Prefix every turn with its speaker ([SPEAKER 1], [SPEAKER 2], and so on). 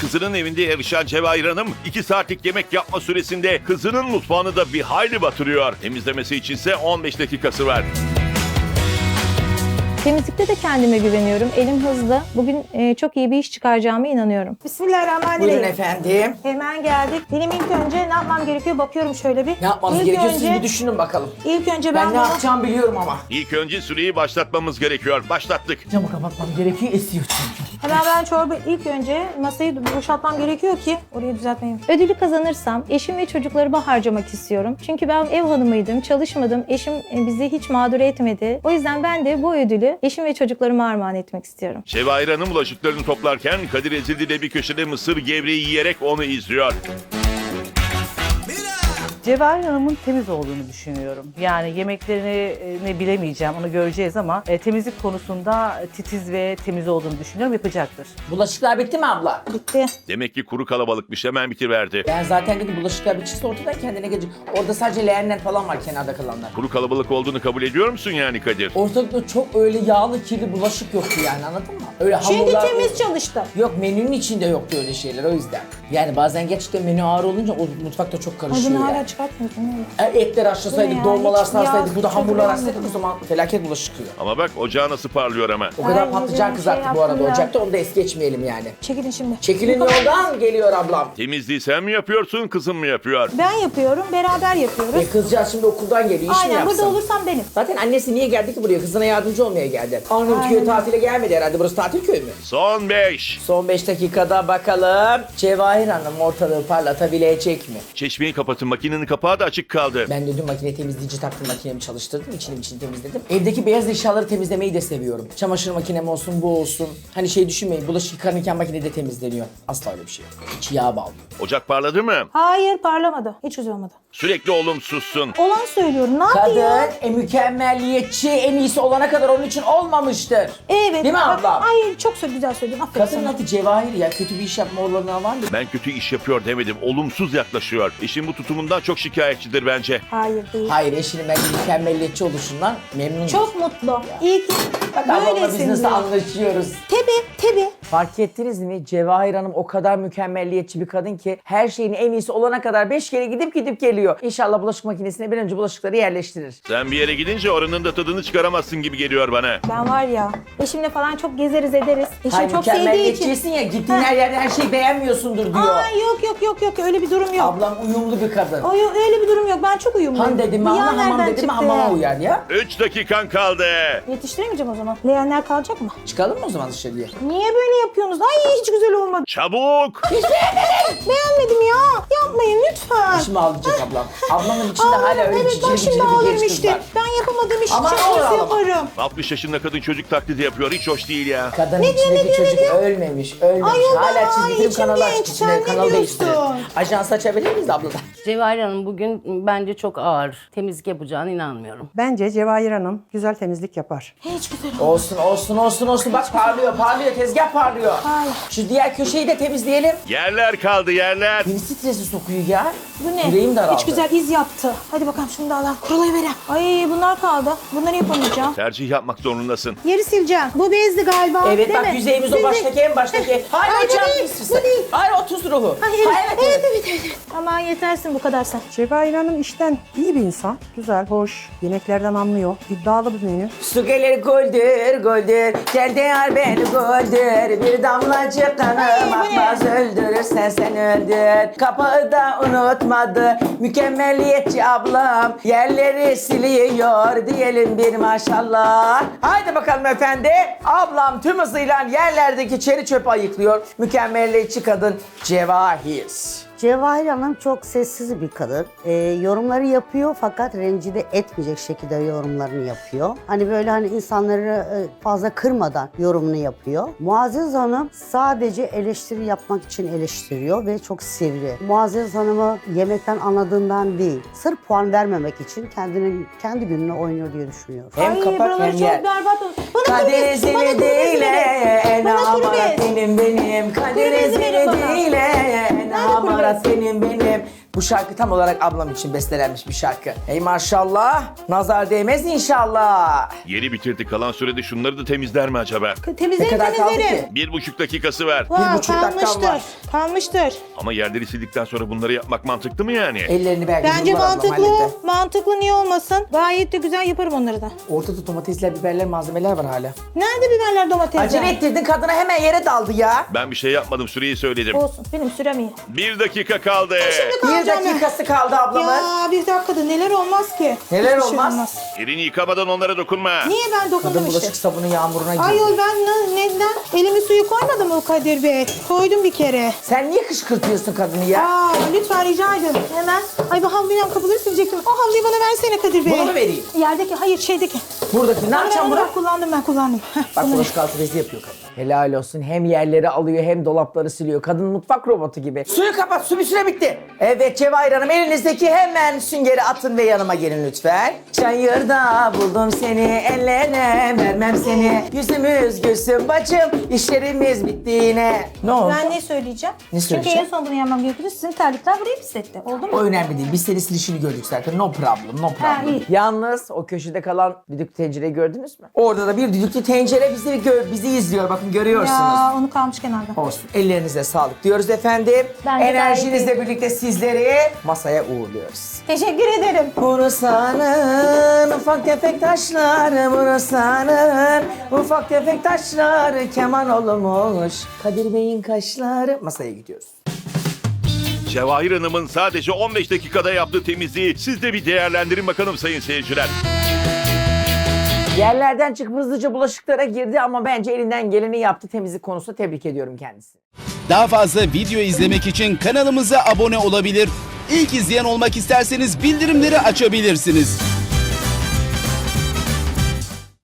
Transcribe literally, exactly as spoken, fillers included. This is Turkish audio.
[SPEAKER 1] Kızının evinde yarışan Cevahir Hanım iki saatlik yemek yapma süresinde kızının mutfağını da bir hayli batırıyor. Temizlemesi içinse on beş dakikası var.
[SPEAKER 2] Temizlikte de kendime güveniyorum. Elim hızlı. Bugün e, çok iyi bir iş çıkaracağıma inanıyorum.
[SPEAKER 3] Bismillahirrahmanirrahim.
[SPEAKER 4] Buyurun efendim.
[SPEAKER 3] Hemen geldik. Benim ilk önce ne yapmam gerekiyor bakıyorum şöyle bir.
[SPEAKER 4] Ne yapmanız
[SPEAKER 3] İlk
[SPEAKER 4] gerekiyor
[SPEAKER 3] önce,
[SPEAKER 4] siz bir düşünün bakalım.
[SPEAKER 3] İlk önce ben,
[SPEAKER 4] Ben ne
[SPEAKER 3] bunu...
[SPEAKER 4] yapacağımı biliyorum ama.
[SPEAKER 1] İlk önce süreyi başlatmamız gerekiyor. Başlattık.
[SPEAKER 4] Camı kapatmam gerekiyor, esiyor çünkü.
[SPEAKER 3] Hemen ben çorba ilk önce masayı boşaltmam gerekiyor ki orayı düzeltmeyeyim.
[SPEAKER 2] Ödülü kazanırsam eşim ve çocuklarıma harcamak istiyorum. Çünkü ben ev hanımıydım, çalışmadım. Eşim e, bizi hiç mağdur etmedi. O yüzden ben de bu ödülü eşim ve çocuklarıma armağan etmek istiyorum.
[SPEAKER 1] Cevahir Hanım bulaşıklarını toplarken Kadir Ezildi de bir köşede mısır gevreği yiyerek onu izliyor.
[SPEAKER 5] Cevahir Hanım'ın temiz olduğunu düşünüyorum. Yani yemeklerini e, ne bilemeyeceğim, onu göreceğiz ama e, temizlik konusunda titiz ve temiz olduğunu düşünüyorum, yapacaktır.
[SPEAKER 4] Bulaşıklar bitti mi abla?
[SPEAKER 3] Bitti.
[SPEAKER 1] Demek ki kuru kalabalıkmış, hemen bitiverdi.
[SPEAKER 4] Ben zaten dedim bulaşıklar bitişse ortadan kendine gelecek. Orada sadece leğenler falan var kenarda kalanlar.
[SPEAKER 1] Kuru kalabalık olduğunu kabul ediyor musun yani Kadir?
[SPEAKER 4] Ortalıkta çok öyle yağlı kirli bulaşık yoktu yani, anladın mı? Öyle
[SPEAKER 3] Çünkü
[SPEAKER 4] hamurlar...
[SPEAKER 3] temiz çalıştım.
[SPEAKER 4] Yok, menünün içinde yoktu öyle şeyler, o yüzden. Yani bazen gerçekten menü ağır olunca o mutfakta çok
[SPEAKER 3] Ay
[SPEAKER 4] karışıyor
[SPEAKER 3] bunu hala
[SPEAKER 4] yani.
[SPEAKER 3] çıkartmıyorsun. değil mi?
[SPEAKER 4] E, Etler haşlasaydık,
[SPEAKER 3] Bu ne ya?
[SPEAKER 4] dolmalar
[SPEAKER 3] Hiç yağ-
[SPEAKER 4] sarsaydık, bu da
[SPEAKER 3] çok
[SPEAKER 4] hamurlar
[SPEAKER 3] beğenmedim.
[SPEAKER 4] açsaydık o zaman felaket bulaşık çıkıyor.
[SPEAKER 1] Ama bak ocağı nasıl parlıyor ama.
[SPEAKER 4] O kadar
[SPEAKER 3] Ay,
[SPEAKER 4] patlıcan
[SPEAKER 3] şey
[SPEAKER 4] kızarttık bu arada
[SPEAKER 3] yaptım ya.
[SPEAKER 4] ocakta, onu da es geçmeyelim yani.
[SPEAKER 3] Çekilin şimdi.
[SPEAKER 4] Çekilin yoldan, geliyor ablam.
[SPEAKER 1] Temizliği sen mi yapıyorsun, kızın mı yapıyor?
[SPEAKER 3] Ben yapıyorum, beraber yapıyoruz.
[SPEAKER 4] E kızcağız şimdi okuldan geliyor, iş mi
[SPEAKER 3] Aynen
[SPEAKER 4] yapsın?
[SPEAKER 3] burada olursam benim.
[SPEAKER 4] Zaten annesi niye geldi ki buraya? Kızına yardımcı olmaya geldi. Arnavutköy tatile gelmedi herhalde, burası tatil köyü mü?
[SPEAKER 1] Son beş.
[SPEAKER 4] Son beş dakikada bakalım Cevahir Hanım ortalığı parlatabilecek mi?
[SPEAKER 1] Çeşmeyi kapatın, makinenin kapağı da açık kaldı.
[SPEAKER 4] Ben de dün makine temizleyici taktım, makinemi çalıştırdım, içini içini temizledim. Evdeki beyaz eşyaları temizlemeyi de seviyorum. Çamaşır makinem olsun, bu olsun. Hani şey düşünmeyin, bulaşık yıkanırken makinede temizleniyor. Asla öyle bir şey yok. İçi yağ bağlıyor.
[SPEAKER 1] Ocak parladı mı?
[SPEAKER 3] Hayır parlamadı. Hiç güzel olmadı.
[SPEAKER 1] Sürekli olumsuzsun.
[SPEAKER 3] Olan söylüyorum. Ne
[SPEAKER 4] Kadın
[SPEAKER 3] yapayım?
[SPEAKER 4] e, mükemmelliyetçi, en iyisi olana kadar onun için olmamıştır.
[SPEAKER 3] Evet.
[SPEAKER 4] Değil mi
[SPEAKER 3] bak-
[SPEAKER 4] ablam?
[SPEAKER 3] Ay çok sö- güzel söyledin. Aferin
[SPEAKER 4] Kadının
[SPEAKER 3] sana.
[SPEAKER 4] adı Cevahir ya, kötü bir iş yapma olanı var mı?
[SPEAKER 1] Ben kötü iş yapıyor demedim, olumsuz yaklaşıyor. Eşim bu tutumundan çok şikayetçidir bence.
[SPEAKER 3] Hayır değil.
[SPEAKER 4] Hayır, eşinin bence mükemmelliyetçi oluşundan memnun.
[SPEAKER 3] Çok mutlu. İyi ki
[SPEAKER 4] Bak ablamla biz
[SPEAKER 3] böylesin
[SPEAKER 4] nasıl
[SPEAKER 3] diyor.
[SPEAKER 4] anlaşıyoruz.
[SPEAKER 3] Tabii tabii.
[SPEAKER 4] Fark ettiniz mi? Cevahir Hanım o kadar mükemmelliyetçi bir kadın ki her şeyin en iyisi olana kadar beş kere gidip gidip geliyor. İnşallah bulaşık makinesine bir an önce bulaşıkları yerleştirir.
[SPEAKER 1] Sen bir yere gidince oranın da tadını çıkaramazsın gibi geliyor bana.
[SPEAKER 3] Ben var ya eşimle falan çok gezeriz ederiz. Eşim
[SPEAKER 4] Hayır,
[SPEAKER 3] çok sevdiği için.
[SPEAKER 4] mükemmelliyetçisin ya, gittiğin
[SPEAKER 3] Ha.
[SPEAKER 4] her yerde her şeyi beğenmiyorsundur diyor.
[SPEAKER 3] Aa yok yok yok yok öyle bir durum yok.
[SPEAKER 4] Ablam uyumlu bir kadın.
[SPEAKER 3] O yok, öyle bir durum yok. Ben çok uyumluyum.
[SPEAKER 4] Han dedim mi
[SPEAKER 3] Bu yağ
[SPEAKER 4] hamam, hamam
[SPEAKER 3] nereden
[SPEAKER 4] dedim mi
[SPEAKER 3] çıktı?
[SPEAKER 4] hamama uyar ya.
[SPEAKER 1] Üç dakikan kaldı.
[SPEAKER 3] Yetiştiremeyeceğim o zaman. Leğenler kalacak mı?
[SPEAKER 4] Çıkalım mı o zaman dışarıya?
[SPEAKER 3] Niye böyle yapıyorsunuz? Ay hiç güzel olmadı.
[SPEAKER 1] Çabuk.
[SPEAKER 3] Beğenmedim ya. Yapmayın lütfen.
[SPEAKER 4] Şimdi ağlayacak ablam. Ablamın içinde
[SPEAKER 3] Ağlarım,
[SPEAKER 4] hala öyle
[SPEAKER 3] evet
[SPEAKER 4] cicili
[SPEAKER 3] bak şimdi
[SPEAKER 4] bicili bir
[SPEAKER 3] ağlarım
[SPEAKER 4] genç kız
[SPEAKER 3] işte.
[SPEAKER 4] var.
[SPEAKER 3] Ben yapamadığım işi
[SPEAKER 4] Aman
[SPEAKER 3] çok
[SPEAKER 4] ağır
[SPEAKER 3] nasıl
[SPEAKER 4] ağlama.
[SPEAKER 3] yaparım?
[SPEAKER 1] altmış yaşında kadın çocuk taklidi yapıyor, hiç hoş değil ya.
[SPEAKER 4] Kadının
[SPEAKER 3] Ne diyor, ne
[SPEAKER 4] içindeki
[SPEAKER 3] diyor, ne
[SPEAKER 4] çocuk
[SPEAKER 3] diyor?
[SPEAKER 4] ölmemiş, ölmemiş.
[SPEAKER 3] Ay, o da,
[SPEAKER 4] Hala
[SPEAKER 3] ay,
[SPEAKER 4] çizgi film
[SPEAKER 3] içim
[SPEAKER 4] kanalı
[SPEAKER 3] genç,
[SPEAKER 4] açık,
[SPEAKER 3] sen
[SPEAKER 4] içine
[SPEAKER 3] ne
[SPEAKER 4] kanal değiştirir.
[SPEAKER 3] diyorsun?
[SPEAKER 4] Ajans açabilir miyiz abladan?
[SPEAKER 6] Cevahir Hanım bugün bence çok ağır. Temizlik yapacağına inanmıyorum.
[SPEAKER 7] Bence Cevahir Hanım güzel temizlik yapar.
[SPEAKER 3] Hiç güzel olmadı.
[SPEAKER 4] Olsun olsun olsun olsun, bak parlıyor parlıyor, tezgah parlıyor.
[SPEAKER 3] Hayır.
[SPEAKER 4] Şu diğer köşeyi de temizleyelim.
[SPEAKER 1] Yerler kaldı, yerler.
[SPEAKER 4] Beni stresi sokuyor ya.
[SPEAKER 3] Bu ne?
[SPEAKER 4] Yüreğim daraldı.
[SPEAKER 3] Hiç güzel iz yaptı. Hadi bakalım şunu da alalım. Kurulayıverelim. Ay bunlar kaldı. Bunları yapamayacağım.
[SPEAKER 1] Tercih yapmak zorundasın.
[SPEAKER 3] Yeri sileceğim. Bu bezdi galiba.
[SPEAKER 4] Evet
[SPEAKER 3] değil
[SPEAKER 4] bak,
[SPEAKER 3] mi?
[SPEAKER 4] yüzeyimiz o
[SPEAKER 3] Bezdi.
[SPEAKER 4] baştaki, en baştaki. Hayır
[SPEAKER 3] Ay, bu
[SPEAKER 4] hocam,
[SPEAKER 3] değil,
[SPEAKER 4] pis
[SPEAKER 3] bu değil.
[SPEAKER 4] Hayır, o tuz ruhu.
[SPEAKER 3] Ay, evet,
[SPEAKER 4] Hayır,
[SPEAKER 3] evet, evet, evet, evet. Aman yetersin bu kadar sen.
[SPEAKER 7] Cevahir Hanım işten iyi bir insan. Güzel, hoş, yemeklerden anlıyor. İddialı bir menü.
[SPEAKER 4] Su gelir goldür goldür, gel değer beni goldür. Bir damlacık
[SPEAKER 3] Ay,
[SPEAKER 4] kanım
[SPEAKER 3] bu ne?
[SPEAKER 4] akmaz, öldürürsen sen öldür. Kapağı da unutmadı mükemmeliyetçi ablam, yerleri siliyor diyelim bir maşallah. Haydi bakalım efendi, ablam tüm hızıyla yerlerdeki çeri çöpü ayıklıyor. Mükemmeliyetçi kadın Cevahir.
[SPEAKER 8] Cevahir Hanım çok sessiz bir kadın. Ee, yorumları yapıyor fakat rencide etmeyecek şekilde yorumlarını yapıyor. Hani böyle hani insanları e, fazla kırmadan yorumunu yapıyor. Muazzez Hanım sadece eleştiri yapmak için eleştiriyor ve çok sivri. Muazzez Hanım'ı yemekten anladığından değil, sırf puan vermemek için kendinin kendi gününe oynuyor diye düşünüyorum.
[SPEAKER 4] Hem
[SPEAKER 3] Ay
[SPEAKER 4] kapak
[SPEAKER 3] buraları
[SPEAKER 4] hem
[SPEAKER 3] çok
[SPEAKER 4] yer.
[SPEAKER 3] berbat oldu. Bana kuru
[SPEAKER 4] Kader
[SPEAKER 3] bez, bana
[SPEAKER 4] seni
[SPEAKER 3] kuru bez
[SPEAKER 4] değil
[SPEAKER 3] verin.
[SPEAKER 4] en
[SPEAKER 3] Bana kuru
[SPEAKER 4] amarat
[SPEAKER 3] bez.
[SPEAKER 4] benim benim. Kader
[SPEAKER 3] bezi verin
[SPEAKER 4] seni
[SPEAKER 3] bana.
[SPEAKER 4] değil en
[SPEAKER 3] Nerede kuru
[SPEAKER 4] amarat
[SPEAKER 3] bez?
[SPEAKER 4] benim benim. Bu Bu şarkı tam olarak ablam için bestelenmiş bir şarkı. Ey maşallah. Nazar değmez inşallah.
[SPEAKER 1] Yeni bitirdi, kalan sürede şunları da temizler mi acaba?
[SPEAKER 4] Ne
[SPEAKER 2] Temizlerim
[SPEAKER 4] kadar kaldı
[SPEAKER 2] temizlerim.
[SPEAKER 4] ki?
[SPEAKER 1] Bir buçuk dakikası var.
[SPEAKER 2] Vay,
[SPEAKER 4] buçuk dakikam
[SPEAKER 2] kalmıştır.
[SPEAKER 4] var.
[SPEAKER 2] Kalmıştır.
[SPEAKER 1] Ama yerleri sildikten sonra bunları yapmak mantıklı mı yani?
[SPEAKER 4] Ellerini belki
[SPEAKER 2] Bence
[SPEAKER 4] Nurlar ablam
[SPEAKER 2] mantıklı.
[SPEAKER 4] halletti.
[SPEAKER 2] Mantıklı, niye olmasın? Gayet de güzel yaparım onları da.
[SPEAKER 4] Ortada domatesler, biberler, malzemeler var hala.
[SPEAKER 2] Nerede biberler, domatesler?
[SPEAKER 4] Acele ettirdin, kadına hemen yere daldı ya.
[SPEAKER 1] Ben bir şey yapmadım, süreyi söyledim.
[SPEAKER 2] Olsun, benim sürem iyi.
[SPEAKER 1] Bir dakika kaldı.
[SPEAKER 4] Bir
[SPEAKER 2] Kalacağım ben.
[SPEAKER 4] dakikası kaldı ablamın.
[SPEAKER 2] Ya bir dakikada neler olmaz ki?
[SPEAKER 4] Neler
[SPEAKER 2] Hiçbir şey
[SPEAKER 4] olmaz?
[SPEAKER 1] Elini yıkamadan onlara dokunma.
[SPEAKER 2] Niye ben
[SPEAKER 4] Kadın
[SPEAKER 2] dokundum işte?
[SPEAKER 4] bulaşık sabunu yağmuruna girdi.
[SPEAKER 2] Ayol ben ne, neden? Elimi suyu koymadım mı Kadir Bey? Koydum bir kere.
[SPEAKER 4] Sen niye kışkırtıyorsun kadını ya?
[SPEAKER 2] Aa lütfen rica ederim. Hemen. Ay bu havluyu kapıları silecektim. O havluyu bana versene Kadir Bey.
[SPEAKER 4] Bunu mu vereyim?
[SPEAKER 2] Yerdeki, hayır şeydeki.
[SPEAKER 4] Buradaki ne
[SPEAKER 2] Onu
[SPEAKER 4] yapacağım
[SPEAKER 2] ben,
[SPEAKER 4] bunu?
[SPEAKER 2] ben kullandım ben kullandım. Heh,
[SPEAKER 4] Bak
[SPEAKER 2] bunu-
[SPEAKER 4] bulaşık altı bezi yapıyor kadın. Helal olsun. Hem yerleri alıyor hem dolapları siliyor. Kadın mutfak robotu gibi. Suyu kapat. Su bir süre bitti. Evet Cevahir Hanım, elinizdeki hemen süngeri atın ve yanıma gelin lütfen. Çayırda buldum seni, ellere vermem seni. Yüzümüz gülsün bacım, işlerimiz bitti yine. Ne oldu?
[SPEAKER 2] Ben ne söyleyeceğim?
[SPEAKER 4] Ne
[SPEAKER 2] Çünkü
[SPEAKER 4] söyleyeceğim?
[SPEAKER 2] en son bunu yapmam gerekiyordu. Sizin terlikler burayı pisletti. Oldu mu?
[SPEAKER 4] O önemli değil. Biz senin silişini gördük zaten. No problem, no
[SPEAKER 2] Ha,
[SPEAKER 4] problem.
[SPEAKER 2] iyi.
[SPEAKER 4] Yalnız o köşede kalan düdüklü tencereyi gördünüz mü? Orada da bir düdüklü tencere bizi, gö- bizi izliyor. Bakın görüyorsunuz.
[SPEAKER 2] Ya onu kalmış kenarda.
[SPEAKER 4] Olsun. Ellerinize sağlık diyoruz efendim.
[SPEAKER 2] Bence
[SPEAKER 4] Enerjinizle birlikte sizleri masaya uğurluyoruz.
[SPEAKER 2] Teşekkür ederim.
[SPEAKER 4] Bursa'nın ufak tefek taşları, Bursa'nın ufak tefek taşları keman olmuş. Kadir Bey'in kaşları. Masaya gidiyoruz.
[SPEAKER 1] Cevahir Hanım'ın sadece on beş dakikada yaptığı temizliği siz de bir değerlendirin bakalım sayın seyirciler.
[SPEAKER 4] Yerlerden çıkıp hızlıca bulaşıklara girdi ama bence elinden geleni yaptı. Temizlik konusunda tebrik ediyorum kendisini.
[SPEAKER 9] Daha fazla video izlemek için kanalımıza abone olabilir. İlk izleyen olmak isterseniz bildirimleri açabilirsiniz.